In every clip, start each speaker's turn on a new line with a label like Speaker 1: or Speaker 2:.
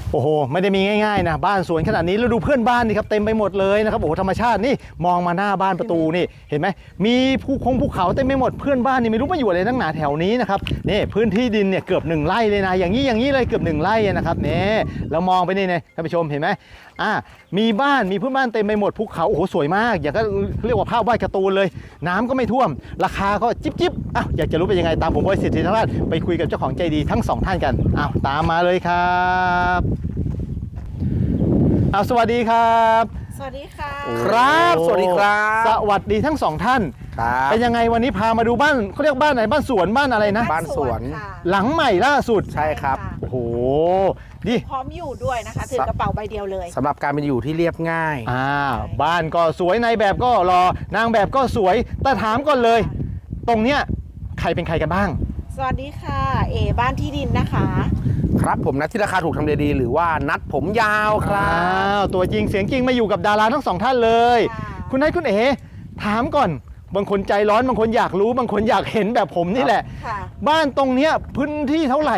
Speaker 1: โอ้โหไม่ได้มีง่ายๆนะบ้านสวนขนาดนี้แล้วดูเพื่อนบ้านนี่ครับเต็มไปหมดเลยนะครับโอ้โหธรรมชาตินี่มองมาหน้าบ้านประตูนี่เห็นไหมมีภูเขาเต็มไปหมดเพื่อนบ้านนี่ไม่รู้มาอยู่อะไรตั้งหนาแถวนี้นะครับนี่พื้นที่ดินเนี่ยเกือบ1 ไร่เลยนะอย่างนี้เลยเกือบ1 ไร่นะครับนี่เรามองไปนี่นะท่านผู้ชมเห็นไหมมีบ้านมีเพื่อนบ้านเต็มไปหมดภูเขาโอ้โหสวยมากอยากก็เรียกว่าภาพวาดการ์ตูนเลยน้ำก็ไม่ท่วมราคาก็จิ๊บอยากจะรู้เป็นยังไงตามผมบอยสิทธิธราชไปคุยกับเจ้าของใจดีทั้ง2 ท่านกันตามมาเลยครับสวัสดีครับ
Speaker 2: สวัสดีค่ะ
Speaker 1: ครับสวัสดีครับสวัสดีทั้ง2 ท่านเป็นยังไงวันนี้พามาดูบ้านเขาเรียกบ้านไหนบ้านสวนบ้านอะไรนะ
Speaker 2: บ้านสวน
Speaker 1: หลังใหม่ล่าสุด
Speaker 3: ใช่ครับ
Speaker 1: โอ้โหดิ
Speaker 2: พร้อมอยู่ด้วยนะคะถือกระเป๋าใบเดียวเลย
Speaker 3: สำหรับการเป็นอยู่ที่เรียบง่าย
Speaker 1: บ้านก็สวยในแบบก็รอนางแบบก็สวยแต่ถามก่อนเลยตรงเนี้ยใครเป็นใครกันบ้าง
Speaker 2: สวัสดีค่ะบ้านที่ดินนะคะ
Speaker 3: ครับผมนัดที่ราคาถูกทำเลดีหรือว่านัดผมยาวครับ
Speaker 1: ตัวจริงเสียงจริงมาอยู่กับดาราทั้ง2 ท่านเลยคุณนัทคุณถามก่อนบางคนใจร้อนบางคนอยากรู้บางคนอยากเห็นแบบผมนี่แหละบ้านตรงเนี้ยพื้นที่เท่าไหร่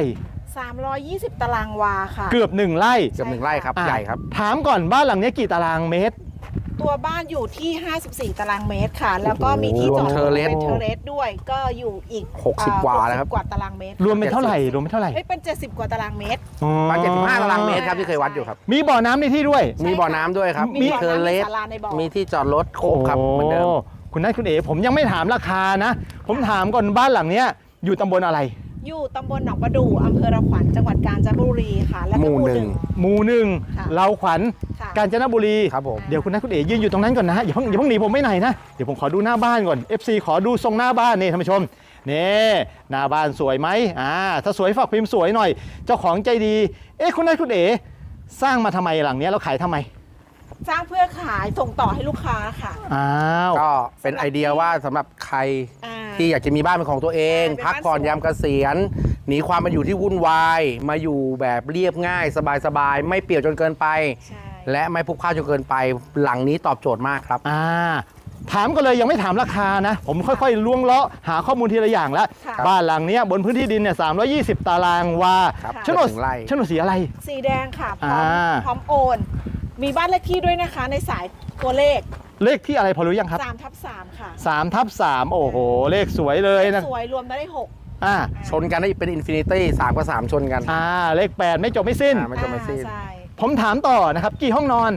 Speaker 2: 320 ตารางวาค่ะ
Speaker 1: เกือบ1 ไร่
Speaker 3: ครับใหญ่ครับ
Speaker 1: ถามก่อนบ้านหลังนี้กี่ตารางเมตร
Speaker 2: ตัวบ้านอยู่ที่54 ตารางเมตรค่ะแล้วก็มีที่จอดรถเป็นเทอร์เรสด้วยก็อยู่อีก
Speaker 3: 60 กว่าแล้วครับ
Speaker 2: กว่าตารางเมตร
Speaker 1: รวมเป็นเท่าไหร่
Speaker 2: เป็น70 กว่าตารางเมตร
Speaker 3: ประมาณ75 ตารางเมตรครับที่เคยวัดอยู่ครับ
Speaker 1: มีบ่อน้ำในที่ด้วย
Speaker 3: มีบ่อน้ำด้วยครับ
Speaker 2: มี
Speaker 3: เทอร์เรสมีที่จอดรถครบครับเหมือนเดิม
Speaker 1: คุณนัทคุณผมยังไม่ถามราคานะผมถามก่อนบ้านหลังเนี้ยอยู่ตำบลอะไร
Speaker 2: อยู่ตำบลหนองประดู่อำเภอระขวัญจังหวัดกาญจนบุรีค่ะและ
Speaker 3: หมู่
Speaker 1: หนึ่งเราขวัญกาญจนบุรี
Speaker 3: ครับผม
Speaker 1: เดี๋ยวคุณนัทคุณยืนอยู่ตรงนั้นก่อนนะอย่าเพิ่งหนีผมไม่ไหนนะเดี๋ยวผมขอดูหน้าบ้านก่อน FC ขอดูทรงหน้าบ้านนี่ท่านผู้ชมนี่หน้าบ้านสวยไหมถ้าสวยฝากพิมพ์สวยหน่อยเจ้าของใจดีคุณนัทคุณสร้างมาทำไมหลังนี้แล้วขายทำไม
Speaker 2: สร้างเพื่อขายส่งต่อให้ลูกค้าค่ะ
Speaker 3: ก็เป็นไอเดียว่าสำหรับใครที่อยากจะมีบ้านเป็นของตัวเองพักผ่อนยามเกษียณหนีความมาอยู่ที่วุ่นวายมาอยู่แบบเรียบง่ายสบายๆไม่เปี่ยวจนเกินไปและไม่พลุกพล่านจนเกินไปหลังนี้ตอบโจทย์มากครับ
Speaker 1: ถามก็เลยยังไม่ถามราคานะผมค่อยๆล้วงเลาะหาข้อมูลทีละอย่างแล้วบ้านหลังนี้บนพื้นที่ดินเนี่ย320 ตารางวาโฉนดสีอะไร
Speaker 2: สีแดงค่ะพร้อมโอนมีบ้านเลขที่ด้วยนะคะในสายตัวเลข
Speaker 1: ที่อะไรพอรู้ยังครับ
Speaker 2: 3/3ค่ะ
Speaker 1: 3/3โอ้โหเลขสวยเลยนะ
Speaker 2: สวยรวมได้
Speaker 3: 6ชนกันได้เป็นอินฟินิตี้3 กับ 3ชนกัน
Speaker 1: เลข8ไม่จบไม่สิ้นผมถามต่อนะครับกี่ห้องนอน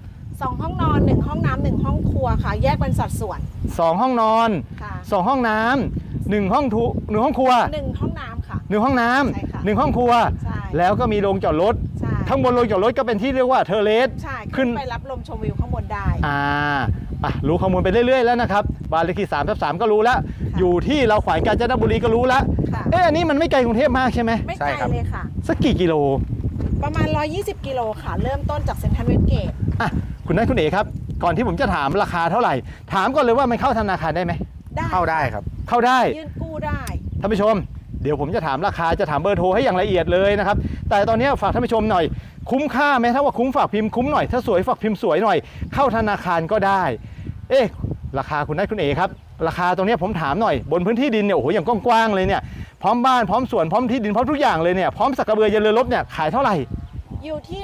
Speaker 2: 2 ห้องนอน1 ห้องน้ำ1 ห้องครัวค่ะแยกเป็นสัดส่วน
Speaker 1: 2 ห้องนอน2 ห้องน้ำ1 ห้องครัว
Speaker 2: 1 ห้องน้ำค่ะ
Speaker 1: 1 ห้องน้ำ1 ห้องครัวแล้วก็มีโรงจอดรถข้างบนโรงจอดรถก็เป็นที่เรียกว่าเทอร์เรส
Speaker 2: ขึ้นไปรับลมชมวิวข้างบนได้
Speaker 1: รู้ข้อมูลไปเรื่อยๆแล้วนะครับบ้านเลขที่3/3ก็รู้แล้วอยู่ที่เราขวางกาญจนบุรีก็รู้แล้วอันนี้มันไม่ไกลกรุงเทพมากใช่ไหม
Speaker 2: ไม่ไกลเลยค่ะ
Speaker 1: สักกี่กิโล
Speaker 2: ประมาณ120 กิโลค่ะเริ่มต้นจากเซ็นทรัลเวสเกต
Speaker 1: คุณนัทคุณครับก่อนที่ผมจะถามราคาเท่าไหร่ถามก่อนเลยว่ามันเข้าธนาคารได้ไหม
Speaker 3: เข้าได้ครับ
Speaker 1: เข้าได้
Speaker 2: ยื่นกู้ได้
Speaker 1: ท่านผู้ชมเดี๋ยวผมจะถามราคาจะถามเบอร์โทรให้อย่างละเอียดเลยนะครับแต่ตอนนี้ฝากท่านผู้ชมหน่อยคุ้มค่าไหมถ้าว่าคุ้มฝากพิมพ์คุ้มหน่อยถ้าสวยฝากพิมพ์สวยหน่อยเข้าธนาคารก็ได้ราคาคุณนัทคุณครับราคาตรงนี้ผมถามหน่อยบนพื้นที่ดินเนี่ยโอ้โหอย่างกว้างๆเลยเนี่ยพร้อมบ้านพร้อมสวนพร้อมที่ดินพร้อมทุกอย่างเลยเนี่ยพร้อมสักกระเบือยันเรือรบเนี่ยขายเท่าไหร่
Speaker 2: อยู่ที่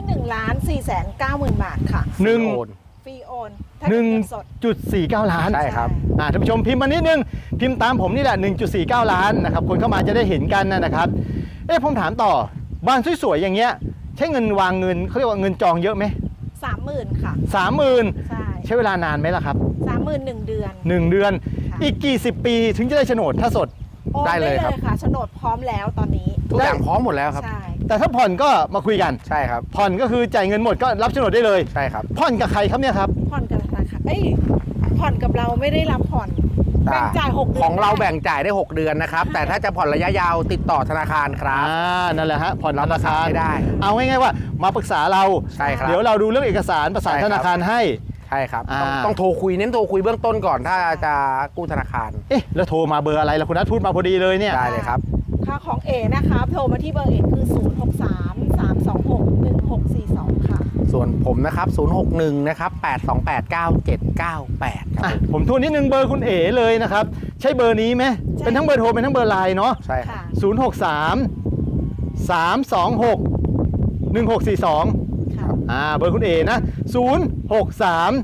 Speaker 2: 1,490,000 บาทค่ะฟรีโอน
Speaker 1: 1.49 ล้าน
Speaker 3: ใช่ครับ
Speaker 1: ท่านผู้ชมพิมพ์มานิดนึงพิมพ์ตามผมนี่แหละ1.49 ล้านนะครับคนเข้ามาจะได้เห็นกันนะครับผมถามต่อบ้านสวยๆอย่างเงี้ยใช้เงินวางเงินเขาเรียกว่าเงินจองเยอะไหม
Speaker 2: 30,000ค่ะ
Speaker 1: 30,000ใช้เวลานานไหมล่ะครับ
Speaker 2: 30,000 1 เดือน
Speaker 1: 1 เดือนอีกกี่สิบปีถึงจะได้โฉนดถ้าสด
Speaker 3: ได้เลยครับ
Speaker 2: ค่ะโฉนดพร้อมแล้วตอนนี้
Speaker 3: ทุกอย่างพร้อมหมดแล้วครับ
Speaker 1: แต่ถ้าผ่อนก็มาคุยกัน
Speaker 3: ใช่ครับ
Speaker 1: ผ่อนก็คือจ่ายเงินหมดก็รับโฉนดได้เลย
Speaker 3: ใช่ครับ
Speaker 1: ผ่อนกับใครครับเนี่ยครับ
Speaker 2: ผ่อนกับธนาคารผ่อนกับเราไม่ได้รับผ่อนแบ่งจ่าย6 เดือน
Speaker 3: ของเราแบ่งจ่ายได้6 เดือนนะครับแต่ถ้าจะผ่อนระยะยาวติดต่อธนาคารครับ
Speaker 1: นั่นแหละฮะผ่อนธนาคาร
Speaker 3: ได้
Speaker 1: เอาง่ายๆว่ามาปรึกษาเรา
Speaker 3: ใช่ครับ
Speaker 1: เดี๋ยวเราดูเรื่องเอกสารประสานธนาคารให้
Speaker 3: ใช่ครับต้องโทรคุยเน้นโทรคุยเบื้องต้นก่อนถ้าจะกู้ธนาคาร
Speaker 1: แล้วโทรมาเบอร์อะไรล่ะคุณนัทพูดมาพอดีเลยเนี่ย
Speaker 3: ได้เลยครับ
Speaker 2: ค่าของนะครับโทรมาที่เบอร์คือ063-326-1642ค่ะ
Speaker 3: ส่วนผมนะครับ061นะครับ8289798ครับ
Speaker 1: ผมทวนนิดนึงเบอร์คุณเลยนะครับใช่เบอร์นี้ไหมเป็นทั้งเบอร์โทรเป็นทั้งเบอร์ไลน์เนาะ
Speaker 3: ใช่ครับ
Speaker 1: 063-326 1642
Speaker 2: ค่ะ
Speaker 1: เบอร์คุณเอนะ063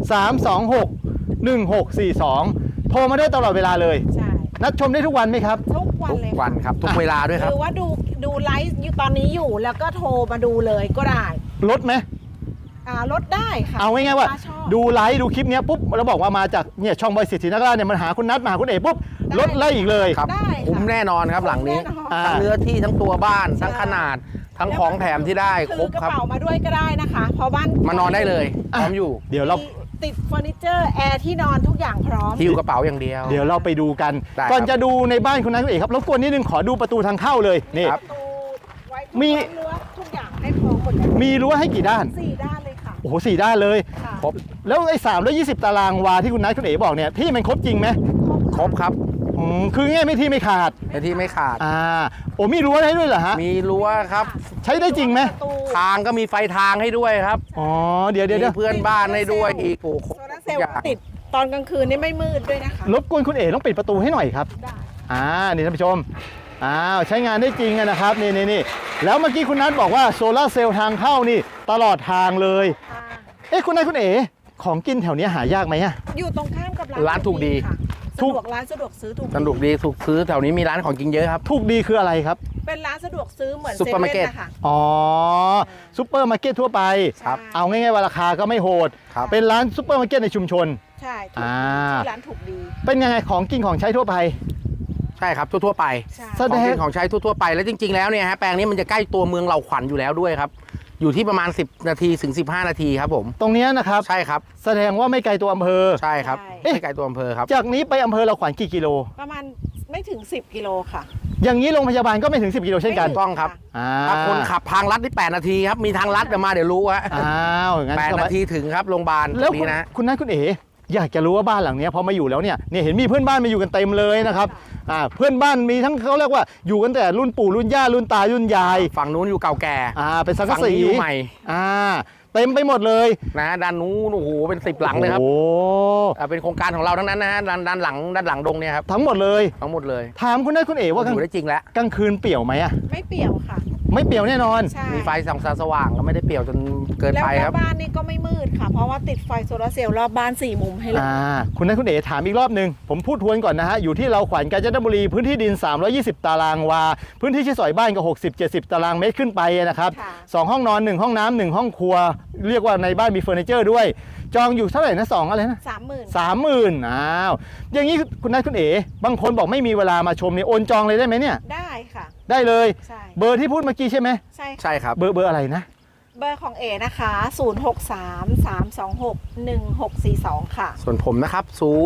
Speaker 1: 326 1642 โทรมาได้ตลอดเวลาเลย
Speaker 2: ใช่
Speaker 1: นัดชมได้ทุกวันไหมครับ
Speaker 2: ทุกวัน
Speaker 3: ทุก
Speaker 2: เลย
Speaker 3: วันครับทุกเวลาด้วยค
Speaker 2: ห
Speaker 3: รับ
Speaker 2: รือว่าดูไลฟ์อยู่ตอนนี้อยู่แล้วก็โทรมาดูเลยก็ได้
Speaker 1: ลดไหม
Speaker 2: ลดได้ค่ะ
Speaker 1: เอาง่ายๆว่า
Speaker 2: ถ้ชอบ
Speaker 1: ดูไลฟ์ดูคลิปเนี้ยปุ๊บเราบอกว่ามาจากเนี่ยช่องบอยสิทธินักล่าเนี่ยมันหาคุณนัดมาหาคุณเอปุ๊บ
Speaker 2: ได้
Speaker 1: ลดไล่อีกเลย
Speaker 3: ครับ
Speaker 2: ได้ค่ะ
Speaker 3: คุ้มแน่นอนครับหลังนี้
Speaker 2: แน่นอน
Speaker 1: อ่า
Speaker 3: ทั้งเนื้อที่ทั้งตัวบ้านทั้งขนาด ทั้งของแถมที่ได้คร
Speaker 2: ถื
Speaker 3: บ
Speaker 2: อกระ
Speaker 3: ครับ
Speaker 2: เป๋ามาด้วยก็ได้นะคะเพราะบ้าน
Speaker 3: มานอนได้เลยพร้อมอยู่
Speaker 1: เดี๋ยวเรา
Speaker 2: มีติดเฟอร์นิเจอร์แอร์ที่นอนทุกอย่างพร้อม
Speaker 3: ที่อยู่กระเป๋าอย่างเดียว
Speaker 1: เดี๋ยวเราไปดูกัน
Speaker 3: ได้ครับ
Speaker 1: ก่อนจะดูในบ้านคุณนัทคุณเอกครับรบกวนนิดนึงขอดูประตูทางเข้าเลยนี่
Speaker 3: ครับ
Speaker 2: ประตูไว้
Speaker 1: มี
Speaker 2: รั้วทุกอย่างให้พร้อมหมดเลย
Speaker 1: มีรั้วให้กี่ด้าน
Speaker 2: สี่ด้านเลยค่ะ
Speaker 1: โอ้โห4 ด้านเลย
Speaker 2: ค่ะ
Speaker 3: ครบ
Speaker 1: แล้วไอ้320 ตารางวาที่คุณนัทคุณเอกบอกเนี่ยที่มันครบจริงไหม
Speaker 3: ครบครับ
Speaker 1: คือง่ายไม่ที่ไม่ขาด
Speaker 3: ในที่ไม่ขาด
Speaker 1: โอ้มีรั้วให้ด้วยเหรอฮะ
Speaker 3: มีรั้วครับ
Speaker 1: ใช้ได้จริงไหม
Speaker 2: ประตู
Speaker 3: ทางก็มีไฟทางให้ด้วยครับ
Speaker 1: อ๋อเดี๋ยว
Speaker 3: มีเพื่อนบ้านให้ด้วยอีกโอ้โห
Speaker 2: โซลาร์เซลล์ติดตอนกลางคืนนี่ไม่มืดด้วยนะคะ
Speaker 1: รบกวนคุณเอกต้องปิดประตูให้หน่อยครับ
Speaker 2: ได้
Speaker 1: นี่ท่านผู้ชมใช้งานได้จริงอะนะครับนี่แล้วเมื่อกี้คุณนัทบอกว่าโซลาร์เซลล์ทางเข้านี่ตลอดทางเลย
Speaker 2: ค่ะ
Speaker 1: คุณนัทคุณเอ๋ของกินแถวเนี้ยหายากไหมอะ
Speaker 2: อยู่ตรงข้ามกับ
Speaker 3: ร้านถูกดี
Speaker 2: ค่ะ
Speaker 1: ถู
Speaker 2: สะ
Speaker 1: ก
Speaker 2: ดวกร้านสะดวกซื้อถูก
Speaker 3: สนุกดีถูกซื้อแถวนี้มีร้านของกินเยอะครับ
Speaker 1: ถูกดีคืออะไรครับ
Speaker 2: เป็นร้านสะดวกซื้อเหมือน
Speaker 3: ซุปเปอร์มาร์เก็ต
Speaker 2: ซว่นนะคะ
Speaker 1: อ๋อซุปเปอร์มาร์เก็ตทั่วไป
Speaker 3: ครับ
Speaker 1: เอาง่ายๆว่าราคาก็ไม่โหด
Speaker 3: ครับ
Speaker 1: เป็นร้านซุปเปอร์มาร์เก็ตในชุมชน
Speaker 2: ใช่ถูก
Speaker 1: อ่า
Speaker 2: ดีชื่อร้านถูกดี
Speaker 1: เป็นยังไงของกินของใช้ทั่วไป
Speaker 3: ใช่ครับทั่วๆไป
Speaker 2: ใช่
Speaker 1: แส
Speaker 3: ของ
Speaker 1: ดง
Speaker 3: กินของใช้ทั่วๆไปแล้วจริงๆแล้วเนี่ยฮะแปลงนี้มันจะใกล้ตัวเมืองเหล่าขวัญอยู่แล้วด้วยครับ อยู่ที่ประมาณ 10 นาทีถึง 15 นาทีครับผม
Speaker 1: ตรงเนี้ยนะครับ
Speaker 3: ใช่ครับ
Speaker 1: แสดงว่าไม่ไกลตัวอำเภอ
Speaker 3: ใช่ครับ
Speaker 1: เอ๊ะ
Speaker 3: ไม่ไกลตัวอำเภอครับ
Speaker 1: จากนี้ไปอำเภอเราขวัญกี่กิโล
Speaker 2: ประมาณไม่ถึง 10 กิโลค่ะ
Speaker 1: อย่างนี้โรงพยาบาลก็ไม่ถึง 10 กิโลเช่นกัน
Speaker 3: ถูกต้องครับ
Speaker 1: อ่า
Speaker 3: ถ้าคนขับทางลัดที่8นาทีครับมีทางลัดเดี๋ยวมาเดี๋ยวรู้ฮะ
Speaker 1: อ้าวงั้น
Speaker 3: 8
Speaker 1: สบา
Speaker 3: นาทีถึงครับโรงพยาบาลต
Speaker 1: แล้
Speaker 3: ร
Speaker 1: ว
Speaker 3: ง
Speaker 1: คุณ
Speaker 3: นี้นะ
Speaker 1: คุณนัทคุณเอ๋อยากจะรู้ว่าบ้านหลังเนี้ยพอมาอยู่แล้วเนี่ยเห็นมีเพื่อนบ้านมาอยู่กันเต็มเลยนะครับเพื่อนบ้านมีทั้งเขาเรียกว่าอยู่กันแต่รุ่นปู่รุ่นย่ารุ่นตารุ่นยาย
Speaker 3: ฝั่งนู้นอยู่เก่าแก่
Speaker 1: เป็นสังกะ
Speaker 3: ฝั่ง
Speaker 1: สี
Speaker 3: นี้อยู่ใหม่
Speaker 1: เต็มไปหมดเลย
Speaker 3: นะด้านนู้นโอ้โหเป็น10 หลังเลยครับ
Speaker 1: โอ้
Speaker 3: เป็นโครงการของเราทั้งนั้นนะฮะด้านหลังดงเนี่ยครับ
Speaker 1: ทั้งหมดเลย
Speaker 3: ทั้งหมดเลย
Speaker 1: ถามคุณนัทคุณเอ๋ว่า
Speaker 3: อยู่ได้จริงแล้ว
Speaker 1: กลางคืนเปี่ยวไหมอะ
Speaker 2: ไม่เปี่ยวค่ะ
Speaker 1: ไม่เปี่ยวแน่นอน
Speaker 2: ใช่
Speaker 3: มีไฟส่องสว่างก็ไม่ได้เปรี่ยวจนเกิน
Speaker 2: แล้ว
Speaker 3: ไป
Speaker 2: ห
Speaker 3: ค
Speaker 2: น้า
Speaker 3: รับ
Speaker 2: บ้านนี่ก็ไม่มืดค่ะ เพราะว่าติดไฟโซลาร์เซลล์รอบบ้าน4มุมให้เลย
Speaker 1: คุณนัทคุณเอ๋ถามอีกรอบหนึ่งผมพูดทวนก่อนนะฮะอยู่ที่เราขวัญกาญจนบุรีพื้นที่ดิน 320 ตารางวาพื้นที่ที่สอยบ้านก็60-70 ตารางเมตรขึ้นไปนะครับ
Speaker 2: ค่ะ
Speaker 1: 2 ห้องนอน 1 ห้องน้ำ1 ห้องครัว เรียกว่าในบ้านมีเฟอร์นิเจอร์ด้วย จองอยู่เท่าไหร่นะ2อะไรนะ
Speaker 2: 30,000
Speaker 1: 30,000อย่างนี้คุณนัทคุณเอ๋บางคนบอกไม่มีเวลามาชมเนี่ยโอนจองเลยได้ไหมเนี่ย
Speaker 2: ได้ค่ะ
Speaker 1: ได้เลย
Speaker 2: ใช่
Speaker 1: เบอร์ที่พูดเมื่อกี้ใช่ไหม
Speaker 2: ใช่ค่ะ
Speaker 3: ใช่ครับ
Speaker 1: เบอร์อะไรนะ
Speaker 2: เบอร์ของเอนะคะ 0633261642 ค่ะ
Speaker 3: ส่วนผมนะครับ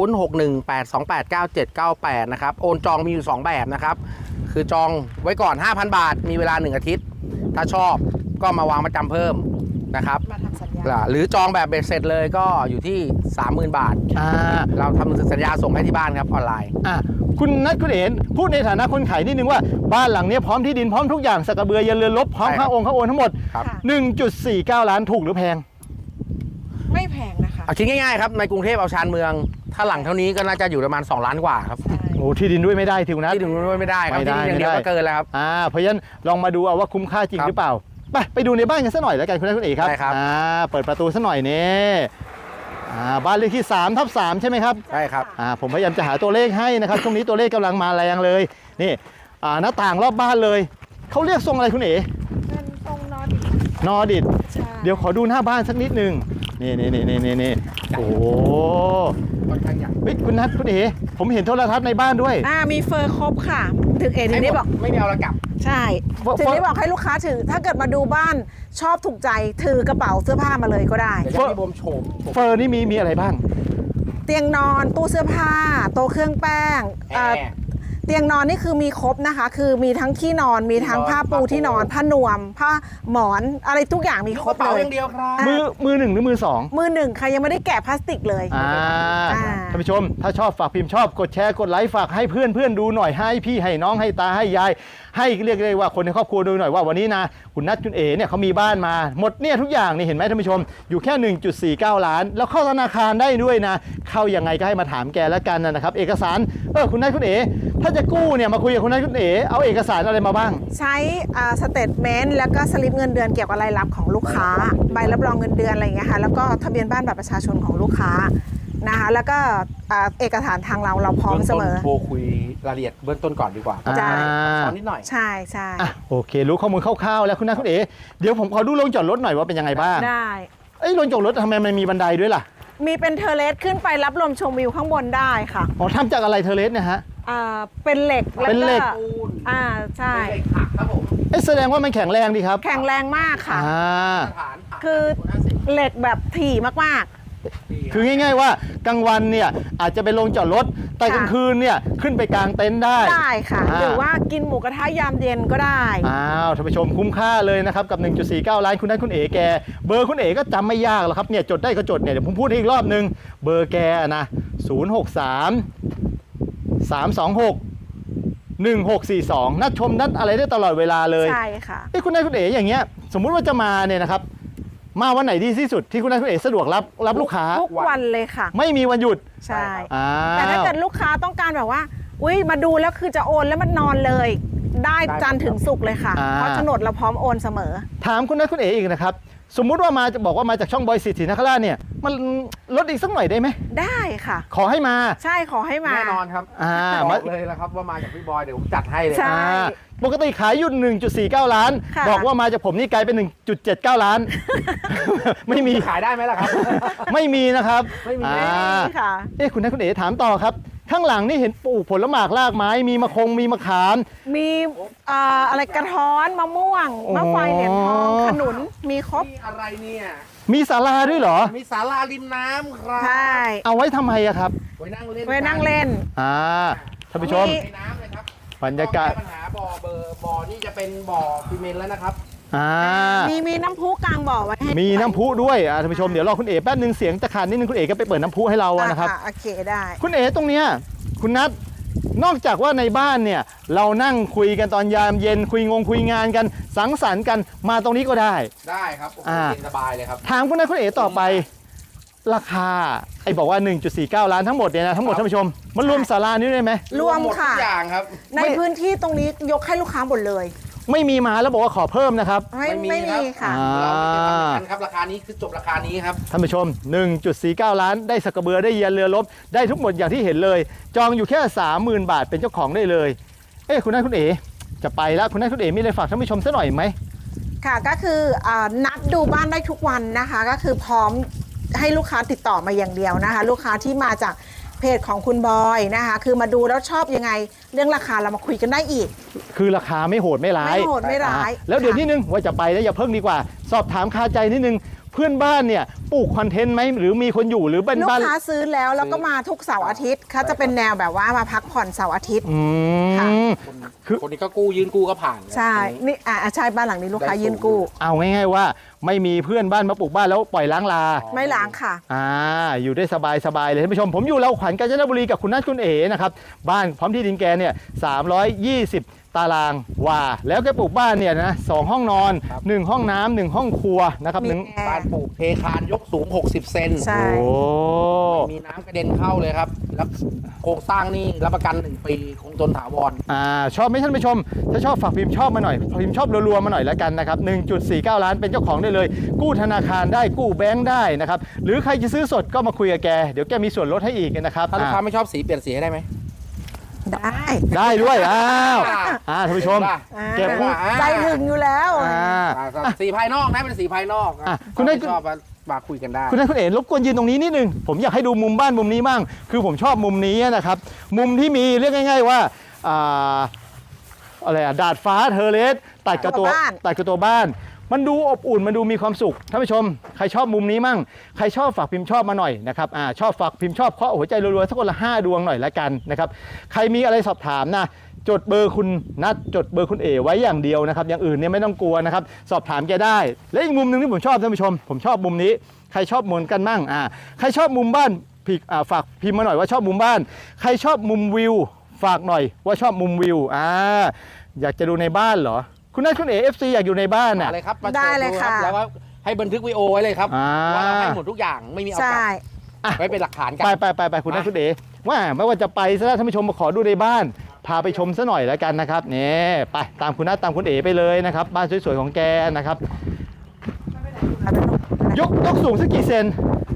Speaker 3: 0618289798 นะครับ โอนจองมีอยู่ 2 แบบนะครับ คือจองไว้ก่อน 5,000 บาท มีเวลา 1 อาทิตย์ ถ้าชอบก็มาวางประจำเพิ่มนะครับ
Speaker 2: มาทำสัญญา
Speaker 3: หรือจองแบบเบ็ดเสร็จเลยก็อยู่ที่ 30,000 บาท เราทำหนังสือสัญญาส่งให้ที่บ้านครับออนไลน์
Speaker 1: คุณนัทคุณเอ๋พูดในฐานะคนขายนิดนึงว่าบ้านหลังนี้พร้อมที่ดินพร้อมทุกอย่างสักกระเบือยันเรือนรบพร้อม
Speaker 3: ใช่ครับ
Speaker 1: ค่าองค์ค่าโอนทั้งหมด
Speaker 3: ครับ
Speaker 2: ค่ะ
Speaker 1: 1.49 ล้านถูกหรือแพง
Speaker 2: ไม่แพงนะคะ
Speaker 3: เอาคิดง่ายๆครับ ในกรุงเทพเอาชานเมือง ถ้าหลังเท่านี้ก็น่าจะอยู่ประมาณ2 ล้านกว่าครับ
Speaker 2: ใช่
Speaker 1: โอ้ที่ดินด้วยไม่ได้ทีคุณนัท
Speaker 3: ที่ดินด้วยไม่ได้ครับ
Speaker 1: ไม่ได้
Speaker 3: ที่ดินอย่างเดียว
Speaker 1: ไม่
Speaker 3: ก็
Speaker 1: ได้
Speaker 3: เกินแล้วครับ
Speaker 1: เพราะฉะนั้นลองมาดูเอาว่าคุ้มค่าจริง
Speaker 3: ครับ
Speaker 1: หรือเปล่าไปดูในบ้านกันสักหน่อยแล้วกันคุณนัทคุณเอ๋ครับ
Speaker 3: ได้ครับ
Speaker 1: เปิดประตูสักหน่อยนี่บ้านเลขที่3/3ใช่ไหมครับ
Speaker 3: ใช่ครับ
Speaker 1: ผมพยายามจะหาตัวเลขให้นะครับ ช่วงนี้ตัวเลขกำลังมาแรงเลยนี่หน้าต่างรอบบ้านเลยเขาเรียกทรงอะไรคุณเอ๋
Speaker 2: เป็นทรงนอร์ดิก
Speaker 1: นอร์ดิด
Speaker 2: ใช่
Speaker 1: เดี๋ยวขอดูหน้าบ้านสักนิดหนึงนี่โอ้โห
Speaker 3: ค่อนข้างใหญ่
Speaker 1: เฮ้ยคุณนัทคุณเอ๋ผมเห็นโทรทัศน์ในบ้านด้วย
Speaker 2: มีเฟอร์ครบค่ะ ถึงเอถึงได้บอก
Speaker 3: ไม่มีเอาละกลับ
Speaker 2: ใช่
Speaker 1: เฟอร์
Speaker 2: ถึงได้บอกให้ลูกค้าถือ ถ้าเกิดมาดูบ้านชอบถูกใจถือกระเป๋าเสื้อผ้ามาเลยก็ได้
Speaker 3: เดี๋ยวจะให้ผมโฉม
Speaker 1: เฟอร์นี่มีอะไรบ้าง
Speaker 2: เตียงนอนตู้เสื้อผ้าโต๊ะเครื่องแป้ง
Speaker 3: แอร์
Speaker 2: เตียงนอนนี่คือมีครบนะคะ คือมีทั้งที่นอนมีทั้งผ้าปูที่นอนผ้านวม ผ้าหมอนอะไรทุกอย่างมีครบ
Speaker 3: กระเป๋า
Speaker 2: เลย
Speaker 3: อย่างเดียวครับ
Speaker 1: มือหนึ่งหรือมือสอง
Speaker 2: มือหนึ่งค่ะยังไม่ได้แกะพลาสติกเลย
Speaker 1: ท่านผู้ชมถ้าชอบฝากพิมพ์ชอบกดแชร์กดไลค์ฝากให้เพื่อนดูหน่อยให้พี่ให้น้องให้ตาให้ยายให้เรียกได้ว่าคนในครอบครัวดูหน่อยว่าวันนี้นะคุณนัทคุณเอ๋เนี่ยเขามีบ้านมาหมดเนี่ยทุกอย่างนี่เห็นไหมท่านผู้ชมอยู่แค่ 1.49 ล้าน แล้วเข้าธนาคารได้ด้วยนะเข้ายังไงก็ให้มาถามแกแล้วกันนะครับเอกสารคุณนัทคุณเอ๋ถ้าจะกู้เนี่ยมาคุยกับคุณนัทคุณเอ๋เอาเอกสารอะไรมาบ้าง
Speaker 2: ใช้สเตทเมนต์แล้วก็สลิปเงินเดือนเกี่ยวกับรายรับของลูกค้าใบรับรองเงินเดือนอะไรอย่างเงี้ยค่ะแล้วก็ทะเบียนบ้านบัตรประชาชนของลูกค้านะคะแล้วก็เอกสารทางเราพร้อมเสมอ
Speaker 3: โทรคุยรายละเอียดเบื้องต้นก่อนดีกว่า
Speaker 2: ใช่
Speaker 3: สอนนิดหน่อย
Speaker 2: ใช่ใช่
Speaker 1: อ่ะโอเครู้ข้อมูลคร่าวๆแล้วคุณนัทคุณเอ๋เดี๋ยวผมขอดูโรงจอดรถหน่อยว่าเป็นยังไงบ้าง
Speaker 2: ได้
Speaker 1: เอ้ยโรงจอดรถทำไมมันมีบันไดด้วยล่ะ
Speaker 2: มีเป็นเทอร์เลสขึ้นไปรับลมชมวิวข้างบนได้ค่ะ
Speaker 1: อ๋อทำจากอะไรเทอร์เลสเนี่ยฮะ
Speaker 2: เป็นเหล็กแล้ว
Speaker 1: เป็นเหล็ก
Speaker 2: ใช่
Speaker 3: เป็นเหล็กหักครับผม
Speaker 1: เอ้ยแสดงว่ามันแข็งแรงดีครับ
Speaker 2: แข็งแรงมากค่ะ
Speaker 1: อ่า
Speaker 3: ฐานหัก
Speaker 2: คือเหล็กแบบถี่มาก
Speaker 1: คือง่ายๆว่ากลางวันเนี่ยอาจจะเป็นโรงจอดรถแต่กลางคืนเนี่ยขึ้นไปกลางเต็นท์ได้
Speaker 2: ๆได้ค่ะ หรือว่ากินหมูกระทะยามเย็นก็ได้
Speaker 1: อ้าวท่านผู้ชมคุ้มค่าเลยนะครับกับ 1.49 ล้านคุณนัทคุณเอ๋แกเบอร์คุณเอ๋ก็จำไม่ยากหรอกครับเนี่ยจดได้ก็จดเนี่ยเดี๋ยวผมพูดให้อีกรอบนึงเบอร์แกนะ063 326 1642นัดชมนัดอะไรได้ตลอดเวลาเลย
Speaker 2: ใช่ค่ะ
Speaker 1: คุณนัทคุณเอ๋อย่างเงี้ยสมมุติว่าจะมาเนี่ยนะครับมาวันไหนดีที่สุดที่คุณนัทคุณเอ๋สะดวกรับลูกค้า
Speaker 2: ทุกวันเลยค่ะ
Speaker 1: ไม่มีวันหยุด
Speaker 2: ใช่
Speaker 1: อ้าว
Speaker 2: แต่ถ้าเกิดลูกค้าต้องการแบบว่า อุ้ยมาดูแล้วคือจะโอนแล้วมันนอนเลย ได้จันทร์ถึงศุกร์เลยค่ะ เพราะโฉนดเราพร้อมโอนเสมอ
Speaker 1: ถามคุณนัทคุณเอ๋อีกนะครับสมมุติว่ามาจะบอกว่ามาจากช่องบอยสิทธินคราชเนี่ยมันลดอีกสักหน่อยได้ไหม
Speaker 2: ได้ค่ะ
Speaker 1: ขอให้มา
Speaker 2: ใช่ขอให้มา
Speaker 3: แน่นอนครับ บ
Speaker 1: มา
Speaker 3: อกเลยนะครับว่ามาจากพี่บอยเดี๋ยวผมจัดให้เลย
Speaker 2: ใช่
Speaker 1: ปกติขายอยู่ 1.49 ล้าน
Speaker 2: ค่ะ
Speaker 1: บอกว่ามาจากผมนี่กลายเป็น 1.79 ล้าน ไม่มี
Speaker 3: ขายได้ไหมล่ะครับ
Speaker 1: ไม่มีนะครับ
Speaker 3: ไม่มี
Speaker 1: อ่า
Speaker 2: ไม่ค่ะ
Speaker 1: คุณนัทคุณเอ๋ถามต่อครับ ข้างหลังนี่เห็นปลูกผลหมากรากไม้มีมะคงมีมะขาม
Speaker 2: มีอะไรกระท้อนมะม่วงมะไฟเหรียญทองขนุนมีครบ
Speaker 3: นี่อะไรเนี่ย
Speaker 1: มีศาลาด้วยเหรอ
Speaker 3: มีศาลาริมน้ำครับ
Speaker 2: ใช่
Speaker 1: เอาไว้ทำไมอะครับ
Speaker 3: ไว้นั่งเล่น
Speaker 2: ไว้นั่งเล่น
Speaker 1: ท่านผู้ชม
Speaker 2: มี
Speaker 3: ในน้ำเลยครับ
Speaker 1: บรรยากาศ
Speaker 3: แก้ปัญหาบ่อนี่จะเป็นบ่อซีเมนต์แล้วนะครับ
Speaker 2: มีน้ำพุกลางบ่อไว้ให้
Speaker 1: มีน้ำพุด้วยท่านผู้ชมเดี๋ยวรอคุณเอ๋แป๊บนึงเสียงจะขาดนิดนึงคุณเอ๋ก็ไปเปิดน้ำพุให้เราอะนะครับ
Speaker 2: โอเคได้
Speaker 1: คุณเอ๋ตรงเนี้ยคุณนัทนอกจากว่าในบ้านเนี่ยเรานั่งคุยกันตอนยามเย็นคุยงานกันสังสรรค์กันมาตรงนี้ก็ได้
Speaker 3: ได้ครับโอ้โหเย็นสบายเลยครับ
Speaker 1: ถามคุณนัทคุณเอ๋ต่อไปราคาไอ้บอกว่า 1.49 ล้านทั้งหมดเนี่ยนะทั้งหมดท่านผู้ชมมันรวมศาลานี้ด้วยไหม
Speaker 2: รวม
Speaker 3: หมด
Speaker 2: ค่ะ
Speaker 3: ทุกอย่างครับ
Speaker 2: ในพื้นที่ตรงนี้ยกให้ลูกค้าหมดเลย
Speaker 1: ไม่มีมาแล้วบอกว่าขอเพิ่มนะครับ
Speaker 2: ไม่มีค่ะ
Speaker 3: เราไม่ได้ทำอย่างนั้นครับราคานี้คือจบราคานี้ครับ
Speaker 1: ท่านผู้ชม 1.49 ล้านได้สักกระเบือได้เยียนเรือรบได้ทุกหมดอย่างที่เห็นเลย จองอยู่แค่ 30,000 บาทเป็นเจ้าของได้เลยคุณนัทคุณเอ๋จะไปแล้วคุณนัทคุณเอ๋มีอะไรฝากท่านผู้ชมสักหน่อยไหม
Speaker 2: ค่ะก็คือนัดดูบ้านได้ทุกวันนะคะ ก็คือพร้อมให้ลูกค้าติดต่อมาอย่างเดียวนะคะ ลูกค้าที่มาจากเพจของคุณบอยนะคะ คือมาดูแล้วชอบยังไงเรื่องราคาเรามาคุยกันได้อีก
Speaker 1: คือราคาไม่โหดไม่ร้าย
Speaker 2: ไม่โหดไม่ร้าย
Speaker 1: แล้วเดี๋ยว
Speaker 2: ค่ะ
Speaker 1: นิดนึงว่าจะไปแล้วอย่าเพิ่งดีกว่า สอบถามคาใจนิดนึงเพื่อนบ้านเนี่ยปลูกคอนเทนต์ไหมหรือมีคนอยู่หรือเป็น
Speaker 2: ลูก
Speaker 1: บ้าน
Speaker 2: ค้าซื้อแล้วก็มาทุกเสาร์อาทิตย์เขาจะเป็นแนวแบบว่ามาพักผ่อนเสาร์อาทิตย์
Speaker 1: อื
Speaker 2: ค่ะ
Speaker 1: ม คือ
Speaker 3: คนนี้ก็กู้ยืนกู้ก็ผ่าน
Speaker 2: ใช่นี่ใช่บ้านหลังนี้ลูกค้ายื่นกู้
Speaker 1: เอาง่ายๆว่าไม่มีเพื่อนบ้านมาปลูกบ้านแล้วปล่อยล้างลา
Speaker 2: ไม่ล้างค่ะ
Speaker 1: อยู่ได้สบายเลยท่านผู้ชมผมอยู่เราขวัญกาญจนบุรีกับคุณนัทคุณเอ๋นะครับบ้านพร้อมที่ดินแกเนี่ย320 ตารางวาแล้วแกปลูกบ้านเนี่ยนะ2ห้องนอน 1 ห้องน้ำ1ห้องครัวนะครับ
Speaker 2: มี
Speaker 1: หนึ่ง
Speaker 2: แอร์
Speaker 3: บ้านปลูกเทคานยกสูง 60 เซน
Speaker 2: ใช่
Speaker 1: โอ้
Speaker 3: มีน้ำกระเด็นเข้าเลยครับ แล้วโครงสร้างนี่รับประกัน 1 ปีคงทนถาวร
Speaker 1: ชอบไหมท่านผู้ชมถ้าชอบฝากพิมพ์ชอบมาหน่อยพิมพ์ชอบรัวๆมาหน่อยแล้วกันนะครับ 1.49 ล้านเป็นเจ้าของได้เลย กู้ธนาคารได้กู้แบงค์ได้นะครับหรือใครจะซื้อสดก็มาคุยกับแกเดี๋ยวแกมีส่วนลดให้อีกนะครับ
Speaker 3: ถ้าลูกค้าไม่ชอบสีเปลี่ยนสีให้ได้ไหม
Speaker 2: ได้
Speaker 1: ได้ด้วยท่านผู้ชม แกพูด
Speaker 2: ใจถึงอยู่แล้ว
Speaker 3: สีภายนอกนะเป็นสีภายนอก
Speaker 1: คุณได้
Speaker 3: ชอบมาคุยกันได้
Speaker 1: คุณนัทคุณเอ๋รบกวนยืนตรงนี้นิดนึงผมอยากให้ดูมุมบ้านมุมนี้บ้างคือผมชอบมุมนี้นะครับมุมที่มีเรียกง่ายๆว่าอะไรดาดฟ้าเทอร์เลสตัดกับตัวบ้าน มันดูอบอุ่นมันดูมีความสุขท่านผู้ชมใครชอบมุมนี้มั่งใครชอบฝากพิมพ์ชอบมาหน่อยนะครับชอบฝากพิมพ์ชอบเคาะหัวใจรัวๆสักคนละ5 ดวงหน่อยละกันนะครับใครมีอะไรสอบถามนะจดเบอร์คุณนัทจดเบอร์คุณเอ๋ไว้อย่างเดียวนะครับอย่างอื่นเนี่ยไม่ต้องกลัวนะครับสอบถามแกได้และอีกมุมหนึ่งที่ผมชอบท่านผู้ชมผมชอบมุมนี้ใครชอบมุมกันมั่งใครชอบมุมบ้านฝากพิมพ์มาหน่อยว่าชอบมุมบ้านใครชอบมุมวิวฝากหน่อยว่าชอบมุมวิวอยากจะดูในบ้านเหรอคุณนัทคุณเอ๋ FC อยากอยู่ในบ้านน่ะ
Speaker 3: อะไรครับมา
Speaker 2: ได้
Speaker 3: โชว์
Speaker 2: เลย
Speaker 3: ดู
Speaker 2: ค่ะ
Speaker 3: แล้วก็ให้บันทึกวิดีโอไว้เลยครับว่าเราให้หมดทุกอย่างไม่มีเอากลั
Speaker 2: ใช่
Speaker 3: บไว้เป็นหลักฐานกัน
Speaker 1: ไปคุณนัทคุณเอ๋ว่าไม่ว่าจะไปซะแล้วท่านผู้ชมมาขอดูในบ้านพาไปชมซะหน่อยแล้วกันนะครับนี่ไปตามคุณนัทตามคุณเอ๋ไปเลยนะครับบ้านสวยๆของแกนะครับยกสูงสักกี่เซน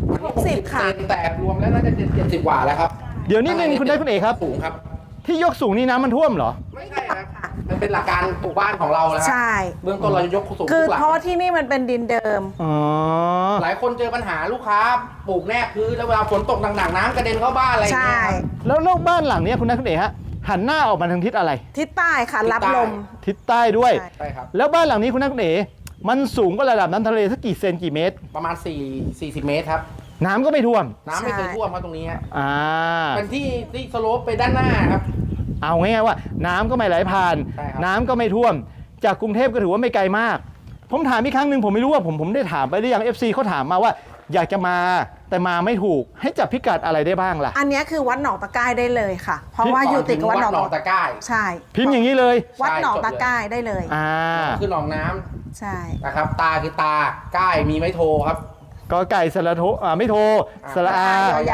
Speaker 2: 60 ค่ะ
Speaker 3: แต่รวมแล้วน่าจะ70กว่าแล้วครับ
Speaker 1: เดี๋ยวนิดนึงคุณนัทคุณเอ๋ครับ
Speaker 3: สูงครับ
Speaker 1: ที่ยกสูงนี่น้ำมันท่วมเหรอ
Speaker 3: ไม่ใช่ครับมันเป็นหลักการปลูกบ้านของเราแล้ว
Speaker 2: ใช่
Speaker 3: เบื้องต้นเราจะยกสูง
Speaker 2: คือ
Speaker 3: ทุกหลัง
Speaker 2: เพราะที่นี่มันเป็นดินเดิม
Speaker 1: อ๋อ
Speaker 3: หลายคนเจอปัญหาลูกค้าปลูกแนบพื้นแล้วเวลาฝนตกหนักๆน้ำกระเด็นเข้าบ้านอะไรอย่าง
Speaker 2: ใช่
Speaker 3: เงี้ยครับ
Speaker 1: แล้วโลกบ้านหลังเนี้ยคุณนัทคุณเอ๋ฮะหันหน้าออกมาทางทิศอะไร
Speaker 2: ทิศใต้ค่ะ รับลม
Speaker 1: ทิศใต้ด้วย
Speaker 2: ใช่
Speaker 3: ใช่ครับ
Speaker 1: แล้วบ้านหลังนี้คุณนัทคุณเอ๋มันสูงกว่าระดับน้ำทะเลสักกี่เซนกี่เมตร
Speaker 3: ประมาณ40 เมตรครับ
Speaker 1: น้ำก็ไม่ท่วม
Speaker 3: น้ำไม่เคยท่วมครับตรงนี้ฮะ
Speaker 1: อ่า
Speaker 3: เป็นที่สโลปไปด้านหน้าครับ
Speaker 1: เอาง่ายๆว่าน้ำก็ไม่ไหลผ่าน
Speaker 3: ใช่ครับ
Speaker 1: น้ำก็ไม่ท่วม จากกรุงเทพก็ถือว่าไม่ไกลมาก ผมถามอีกครั้งหนึ่งผมไม่รู้ว่าผมได้ถามไปหรือยัง FC เขาถามมาว่า อยากจะมาแต่มาไม่ถูกให้จับพิกัดอะไรได้บ้างล่ะ
Speaker 2: อันเนี้ยคือวัดหนองตะไคร้ได้เลยค่ะ เพราะว่าอยู่ติดกับวัดหนอง
Speaker 3: ตะไคร้
Speaker 2: ใช่
Speaker 1: พิมพ์อย่างนี้เลย
Speaker 2: วัดหนองตะไคร้ได้เลย
Speaker 1: อ่า
Speaker 3: คือหนองน้ำ
Speaker 2: ใช่
Speaker 3: นะครับ ตาคือตาใกล้มีไม้โทครับ
Speaker 1: ก็ไก่สระโทไม่โทสระอาย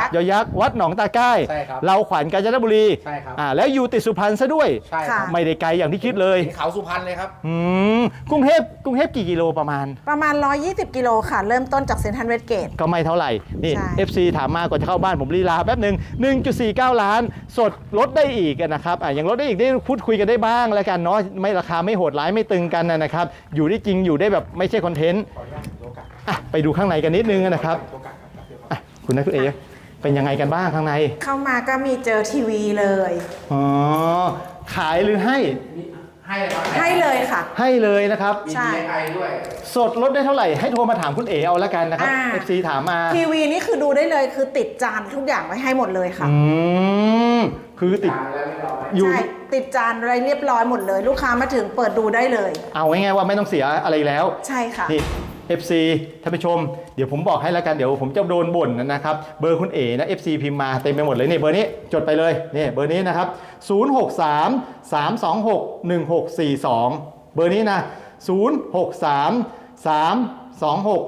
Speaker 1: ยักษ์วัดหนองตาใกล้
Speaker 3: ใช่ครับ
Speaker 1: เราขวัญกาญจนบุรี
Speaker 3: ใช่ครับ
Speaker 1: แล้วอยู่ติดสุพรรณซะด้วย
Speaker 3: ใช่ครับ
Speaker 1: ไม่ได้ไกลอย่างที่คิดเลย
Speaker 3: เห็นเขาสุพรรณเลยครับ
Speaker 1: กรุงเทพกี่กิโลประมาณ
Speaker 2: ประมาณ 120 กิโลค่ะ เริ่มต้นจากเซ็นทรัลเวสเกต
Speaker 1: ก็ไม่เท่าไหร่ นี่
Speaker 2: ใช่
Speaker 1: FC ถามมาก่อนจะเข้าบ้านผมลีลาแป๊บหนึ่ง1.49 ล้าน สดลดได้อีกนะครับยังลดได้อีกได้พูดคุยกันได้บ้างแล้วกันเนาะไม่ราคาไม่โหดร้ายไม่ตึงกันนะครับอยู่ได้จริงอยู่ได้แบบไม่ใช่คอนเทนต์ไปดูข้างในกันนิดนึงนะครับคุณนัทคุณเอ๋เป็นยังไงกันบ้างข้างใน
Speaker 2: เข้ามาก็มีเจอทีวีเลย
Speaker 1: อ๋อขายหรือให้
Speaker 3: ให้เลยครับ
Speaker 2: ให้เลยค่ะ
Speaker 1: ให้เลยนะครับ
Speaker 3: มี
Speaker 2: ใช่
Speaker 3: DIY ด้วย
Speaker 1: สดลดได้เท่าไหร่ให้โทรมาถามคุณเอ๋เอาละกันนะครับ FC ถามมา
Speaker 2: ทีวีนี่คือดูได้เลยคือติดจานทุกอย่างไว้ให้หมดเลยค่ะ
Speaker 1: คือติด
Speaker 3: จานแล้วไม่ร้อย
Speaker 1: อยู่
Speaker 2: ใช่ติดจานอะไรเรียบร้อยหมดเลย ลูกค้ามาถึงเปิดดูได้เลย
Speaker 1: เอาง่ายๆว่าไม่ต้องเสียอะไรแล้ว
Speaker 2: ใช่ค่ะ
Speaker 1: นี่ FC ท่านผู้ชม เดี๋ยวผมบอกให้แล้วกันเดี๋ยวผมจะโดนบ่นนะครับ เบอร์คุณเอ๋นะ FC พิมพ์มาเต็มไปหมดเลยนี่เบอร์นี้จดไปเลยนี่เบอร์นี้นะครับ 063 326 1642 เบอร์นี้นะ 063 326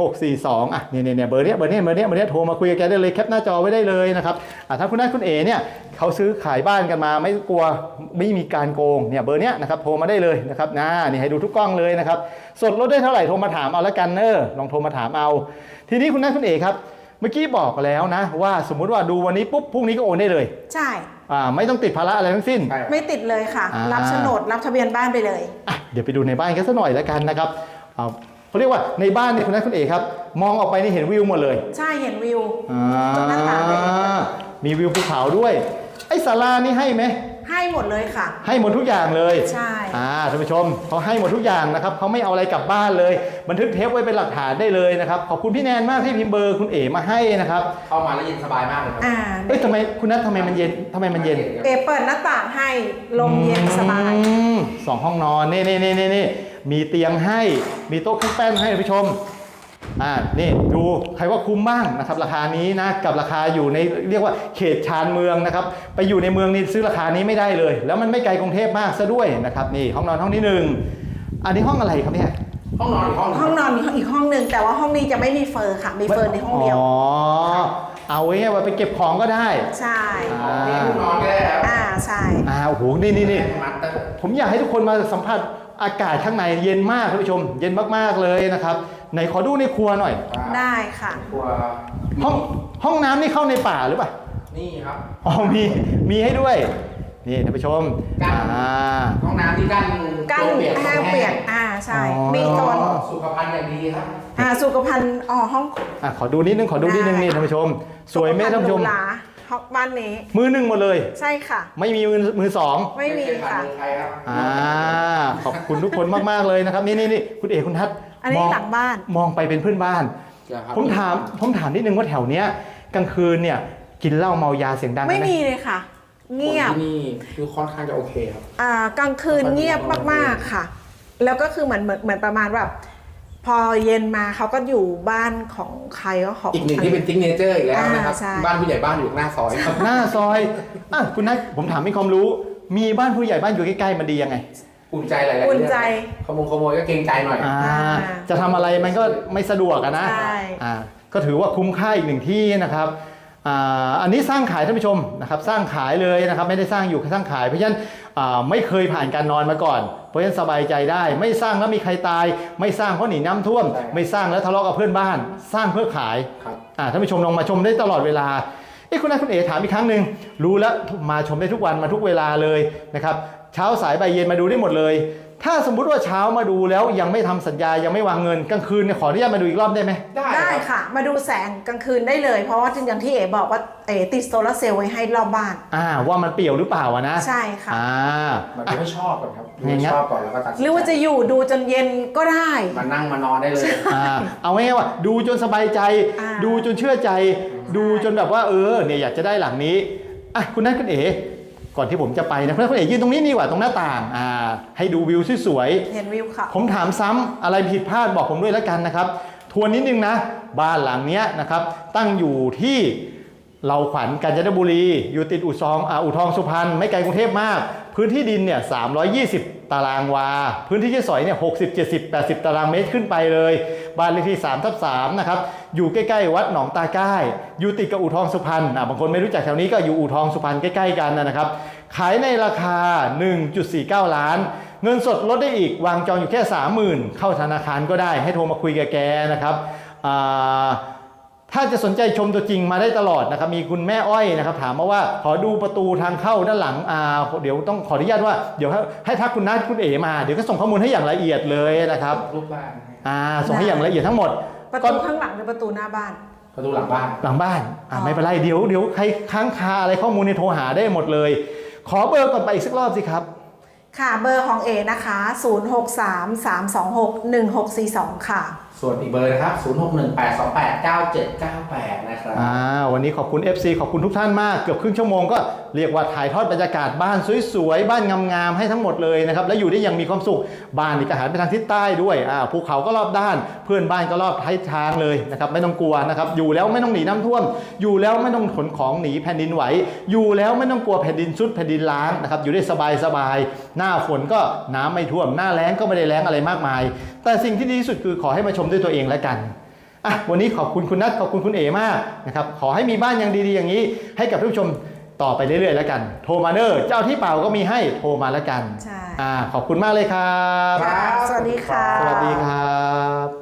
Speaker 1: 1642เนี่ยเบอร์นี้โทรมาคุยกับแกได้เลยแคปหน้าจอไว้ได้เลยนะครับถ้าคุณนัทคุณเอ๋เนี่ยเขาซื้อขายบ้านกันมาไม่กลัวไม่มีการโกงเนี่ยเบอร์เนี้ยนะครับโทรมาได้เลยนะครับนี่ให้ดูทุกกล้องเลยนะครับสดลดได้เท่าไหร่โทรมาถามเอาละกันลองโทรมาถามเอาทีนี้คุณนัทคุณเอ๋ครับเมื่อกี้บอกแล้วนะว่าสมมุติว่าดูวันนี้ปุ๊บพรุ่งนี้ก็โอนได้เลย
Speaker 2: ใช่
Speaker 1: ไม่ต้องติดภาระอะไรทั้งสิ้น
Speaker 3: ใช่
Speaker 2: ไม่ติดเลยค่ะ รับโฉนดรับทะเบียนบ้านไปเลย
Speaker 1: เดี๋ยวไปดูในบ้านกันสักหน่อยแล้วกันนะครับเขาเรียกว่าในบ้านเนี่ยคุณนัทคุณเอ๋ครับมองออกไปนี่เห็นวิวหมดเลย
Speaker 2: ใช่เห็นวิวตรงหน้าต่างเลย
Speaker 1: มีวิวภูเขาด้วยไอ้ศาลานี่ให้ไหม
Speaker 2: ให้หมดเลยค่ะ
Speaker 1: ให้หมดทุกอย่างเลย
Speaker 2: ใช่
Speaker 1: ท่านผู้ชมเขาให้หมดทุกอย่างนะครับเขาไม่เอาอะไรกลับบ้านเลยบันทึกเทปไว้เป็นหลักฐานได้เลยนะครับขอบคุณพี่แนนมากที่พิมพ์เบอร์คุณเอ๋มาให้นะครับ
Speaker 3: เข้ามาแล้วเย็นสบายมากเลยครับ
Speaker 1: ทำไมคุณนัททำไมมันเย็น
Speaker 2: เอเปิดหน้าต่างให้ลมเย็นสบาย
Speaker 1: สองห้องนอนนี่มีเตียงให้มีโต๊ะเครื่องแป้งให้ท่านผู้ชมนี่ดูใครว่าคุ้มบ้างนะครับราคานี้นะกับราคาอยู่ในเรียกว่าเขตชานเมืองนะครับไปอยู่ในเมืองนี่ซื้อราคานี้ไม่ได้เลย แล้วมันไม่ไกลกรุงเทพมากซะด้วยนะครับนี่ห้องนอนห้องที่1อันนี้ห้องอะไรครับเนี่ย
Speaker 3: ห้องนอนอีกห้อง
Speaker 2: ห้องนอนอีกห้องหนึ่งแต่ว่าห้องนี้จะไม่มีเฟอร์ค่ะ มีเฟอร์ในห้องเดียว
Speaker 1: เอาไว้ไงว่าไปเก็บของก็ได้
Speaker 2: ใช่
Speaker 3: นี่ห้องนอนก็ได้ครับ
Speaker 2: ใช่
Speaker 1: โอ้โหนี่
Speaker 3: มัดเตอร์
Speaker 1: ผมอยากให้ทุกคนมาสัมผัสอากาศข้างในเย็นมากท่านผู้ชมเย็นมากๆเลยนะครับไหนขอดูในครัวหน่อย
Speaker 2: ได้ค่ะ
Speaker 3: ครัว
Speaker 1: ห้องน้ำนี่เข้าในป่าหรือเปล่า
Speaker 3: นี่ครับ
Speaker 1: มีให้ด้วยนี่ท่านผู้ชม
Speaker 3: ห้องน้ำที่กั้น
Speaker 2: แห้งเปียกใช่ มีโซน
Speaker 3: สุขภัณฑ์อย่างดีครับ
Speaker 2: สุขภัณฑ์ห้อง
Speaker 1: ขอดูนิดนึงนี่ท่านผู้ชมสวยไหมท่านผู้ชม
Speaker 2: สุขภัณฑ์หรูหราห้องบ้านนี้
Speaker 1: มือหนึ่งหมดเลย
Speaker 2: ใช่ค่ะ
Speaker 1: ไม่มีมือสอง
Speaker 2: ไม่มีค่ะ
Speaker 3: ใครครับ
Speaker 1: ขอบคุณทุกคนมากๆเลยนะครับนี่คุณเอกคุณทัศน์
Speaker 2: อันนี้หลังบ้าน
Speaker 1: มองไปเป็นเพื่อนบ้าน ผมถามนิดนึงว่าแถวเนี้ยกลางคืนเนี่ยกินเหล้าเมายาเสียงดัง
Speaker 2: ไม่
Speaker 1: ไหม
Speaker 2: มีเลยค่ะ เงียบ
Speaker 3: ที่นี่คือค่อนข้างจะโอเคครับ
Speaker 2: กลางคืนเงียบมากๆค่ะ แล้วก็คือเหมือนประมาณแบบพอเย็นมาเขาก็อยู่บ้านของใครก็ของ
Speaker 3: อีกหนึ่งที่เป็นซิกเนเจอร์อีกแล้วนะครับ
Speaker 2: ใช่
Speaker 3: บ้านผู้ใหญ่บ้านอยู่หน้าซอยครับ
Speaker 1: หน้าซอยคุณนัทผมถามมีความรู้ มีบ้านผู้ใหญ่บ้านอยู่ใกล้ๆมันดียังไง
Speaker 3: อุ่นใจหลายๆเรื่อง
Speaker 2: อุ่นใจ
Speaker 3: ขโมยก็เกรงใจหน่อย
Speaker 1: จะทำอะไรมันก็ไม่สะดวกนะ
Speaker 2: ใช่
Speaker 1: ก็ถือว่าคุ้มค่าอีกหนึ่งที่นะครับอันนี้สร้างขายท่านผู้ชมนะครับสร้างขายเลยนะครับไม่ได้สร้างอยู่สร้างขายเพราะฉะนั้นไม่เคยผ่านการนอนมาก่อนเพราะฉะนั้นสบายใจได้ไม่สร้างแล้วมีใครตายไม่สร้างเพราะหนีน้ำท่วมไม่สร้างแล้วทะเลาะกับเพื่อนบ้านสร้างเพื่อขายท่านผู้ชมลองมาชมได้ตลอดเวลาคุณนายคุณเอ๋ถามอีกครั้งหนึ่งรู้แล้วมาชมได้ทุกวันมาทุกเวลาเลยนะครับเช้าสายบ่ายเย็นมาดูได้หมดเลยถ้าสมมุติว่าเช้ามาดูแล้วยังไม่ทำสัญญายังไม่วางเงินกลางคืนขออนุญาตมาดูอีกรอบได้ไหม
Speaker 2: ได้ค่ะมาดูแสงกลางคืนได้เลยเพราะว่าอย่างที่เอ๋บอกว่าติดโซลาร์เซลล์ไว้ให้รอบบ้าน
Speaker 1: ว่ามันเปี่ยวหรือเปล่านะ
Speaker 2: ใช่ค่ะ
Speaker 3: มันไม่ชอบก่อนครับไม่ชอบก่อนแล้วก็ตัด
Speaker 2: หรือว่าจะอยู่ดูจนเย็นก็ได้
Speaker 3: มานั่งมานอนได้เลย
Speaker 1: เอาง่ายๆว่าดูจนสบายใจดูจนเชื่อใจดูจนแบบว่าเนี่ยอยากจะได้หลังนี้คุณนัทคุณเอ๋ก่อนที่ผมจะไปนะคุณเอ๋ยืนตรงนี้ดีกว่าตรงหน้าต่างให้ดูวิวสวย
Speaker 2: ๆเห็นวิวค่ะ
Speaker 1: ผมถามซ้ำอะไรผิดพลาดบอกผมด้วยแล้วกันนะครับทวนนิดนึงนะบ้านหลังนี้นะครับตั้งอยู่ที่เราขวัญกาญจนบุรีอยู่ติดอู่ทองสุพรรณไม่ไกลกรุงเทพมากพื้นที่ดินเนี่ย320 ตารางวาพื้นที่ที่สอยเนี่ย60 70 80 ตารางเมตรขึ้นไปเลยบ้านเลขที่3/3นะครับอยู่ใกล้ๆวัดหนองตาใกล้อยู่ติดกับอู่ทองสุพรรณบางคนไม่รู้จักแถวนี้ก็อยู่อู่ทองสุพรรณใกล้ๆกันนะครับขายในราคา 1.49 ล้านเงินสดลดได้อีกวางจองอยู่แค่ 30,000 เข้าธนาคารก็ได้ให้โทรมาคุยกับแกนะครับถ้าจะสนใจชมตัวจริงมาได้ตลอดนะครับมีคุณแม่อ้อยนะครับถามมาว่าขอดูประตูทางเข้าด้านหลังเดี๋ยวต้องขออนุญาตว่าเดี๋ยวให้ทักคุณนัทคุณเอ๋มาเดี๋ยวก็ส่งข้อมูลให้อย่างละเอียดเลยนะครับ
Speaker 3: รูปบ้าน
Speaker 1: ส่งให้อย่างละเอียดทั้งหมด
Speaker 2: ประตูข้างหลังหรือประตูหน้าบ้าน
Speaker 3: ประตูหลังบ้
Speaker 1: านไม่เป็นไรเดี๋ยวใครค้างคาอะไรข้อมูลในโทรหาได้หมดเลยขอเบอร์ก่อนไปอีกสักรอบสิครับ
Speaker 2: ค่ะเบอร์ของเอนะคะ0633261642ค่ะ
Speaker 3: ส่วนอีกเบอร์นะครับ0618289798นะครับ
Speaker 1: วันนี้ขอบคุณ FC ขอบคุณทุกท่านมากเกือบครึ่งชั่วโมงก็เรียกว่าถ่ายทอดบรรยากาศบ้านสวยๆบ้านงามๆให้ทั้งหมดเลยนะครับและอยู่ได้อย่างมีความสุขบ้านนี่ก็หันไปทางทิศใต้ด้วยภูเขาก็รอบด้านเพื่อนบ้านก็รอบท้ายทางเลยนะครับไม่ต้องกลัวนะครับอยู่แล้วไม่ต้องหนีน้ำท่วมอยู่แล้วไม่ต้องขนของหนีแผ่นดินไหวอยู่แล้วไม่ต้องกลัวแผ่นดินซุดแผ่นดินล้างนะครับอยู่ได้สบายๆหน้าฝนก็น้ำไม่ท่วมหน้าแล้งก็ไม่ได้แล้งอะไรมากมายแต่สิ่งที่ดีที่สุดคือขอให้มาชมด้วยตัวเองแล้วกันวันนี้ขอบคุณคุณนัทขอบคุณคุณเอ๋มากนะครับขอให้มีบ้านยังดีๆอย่างนี้ให้กับผู้ชมต่อไปเรื่อยๆแล้วกันโทรมาเนอร์เจ้าที่เปล่าก็มีให้โทรมาแล้วกัน
Speaker 2: ใช่
Speaker 1: ขอบคุณมากเลยครับ
Speaker 2: สวัสดีค่ะ
Speaker 1: สวัสดีครับ